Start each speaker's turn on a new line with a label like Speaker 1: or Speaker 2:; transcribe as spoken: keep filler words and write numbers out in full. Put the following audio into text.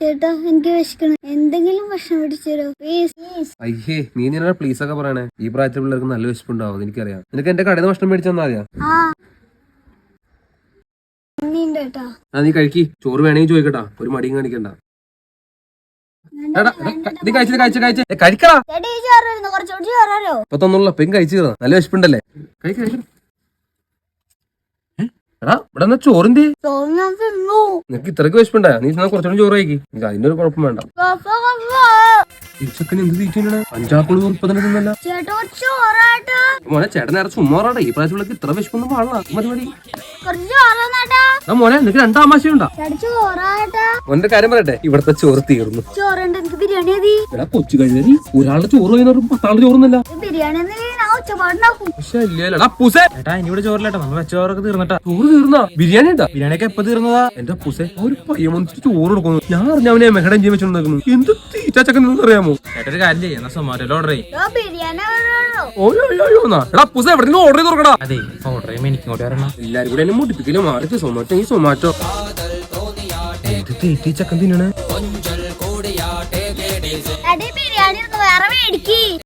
Speaker 1: ചേട്ടാ എനിക്ക് വിശക്കണം, എന്തെങ്കിലും ഭക്ഷണം പിടിച്ചോ പ്ലീസ്.
Speaker 2: അയ്യേ നീ നിന്നെ പ്ലീസ് ഒക്കെ പറയണേ. ഈ പ്രായത്തിൽ പിള്ളേർക്ക് നല്ല വിശപ്പുണ്ടാവും, എനിക്കറിയാം. നിനക്ക് എന്റെ കടയിൽ നിന്ന് ഭക്ഷണം മേടിച്ചു തന്നാ മതിയാ? ആ നീ കഴിക്കി. ചോറ് വേണമെങ്കിൽ ചോദിക്കട്ടാ, ഒരു മടിയും കാണിക്കണ്ട. നീ കഴിച്ചത് കഴിച്ച കഴിച്ച കഴിക്കടാ. ഇപ്പൊ തന്നുള്ള പെൺ കഴിച്ചു കയറാ, നല്ല വിശപ്പുണ്ടല്ലേ? കഴിക്ക കഴിക്കണം. എടാ ഇവിടെ ചോറിന്റെ നിനക്ക് ഇത്രക്ക് വിശപ്പുണ്ടാ? നീ കുറച്ചുകൂടി ചോറ് കഴിക്കി, അതിന്റെ ഒരു കുഴപ്പം വേണ്ട. തിരിച്ചൊക്കെ എന്ത് തീറ്റാണ്? അഞ്ചാപ്പിള് ഉറപ്പതന്നെ തിന്നല്ല മോനെ. ചേട്ടൻ നേരെ ചുമ്മാറാട്ടെ, ഈ പ്രായത്തിലേക്ക് ഇത്ര വിശപ്പൊന്നും പാടില്ല. മതി മതി മോനെ, നിനക്ക് രണ്ടാമാശയുണ്ടാ? മോന്റെ കാര്യം പറയട്ടെ, ഇവിടത്തെ ചോറ് തീർന്നു. എടാ കൊച്ചു കഴിഞ്ഞ ഒരാളുടെ ചോറ് കഴിഞ്ഞ പത്താളുടെ ചോറുന്നല്ല.
Speaker 3: ചേട്ടാ ഇനി ഇവിടെ ചോറില്ലട്ടോ, നമ്മൾ വെച്ച ചോറൊക്കെ തീർന്നട്ടാ.
Speaker 2: ചോറ് തീർന്നാ? ബിരിയാണി ഉണ്ടാ?
Speaker 3: ബിരിയാണി ഒക്കെ എപ്പോ തീർന്നതാ?
Speaker 2: എന്റെ പുസെ ഒരു പയ്യൻ ചോറ് കൊടുക്കുന്നു. ഞാൻ അറിഞ്ഞ അവനെ മെഹടം ചെയ്യാൻ വെച്ചോണ്ടിരിക്കുന്നു. എന്ത് തീറ്റാച്ചക്കൻ അറിയാമോ?
Speaker 3: ചേട്ടാ ഒരു കാര്യം ചെയ്യാം, സൊമാറ്റോയിൽ ഓർഡർ ചെയ്യും.
Speaker 2: എടാ പുസെ എവിടെ ഓർഡർ ചെയ്ത് കൊടുക്കടാ.
Speaker 3: അതെ ഓർഡർ ചെയ്യുമ്പോ എനിക്ക് ഇങ്ങോട്ട് വരണം.
Speaker 2: എല്ലാരും കൂടെ എന്നെ മുട്ടിപ്പിക്കലും മാറി. സൊമാറ്റോ ഈ സൊമാറ്റോ ഏത് തീറ്റീച്ചക്കൻ തിന്നാണ്?
Speaker 1: ബിരിയാണി വേറെ മേടിക്ക്.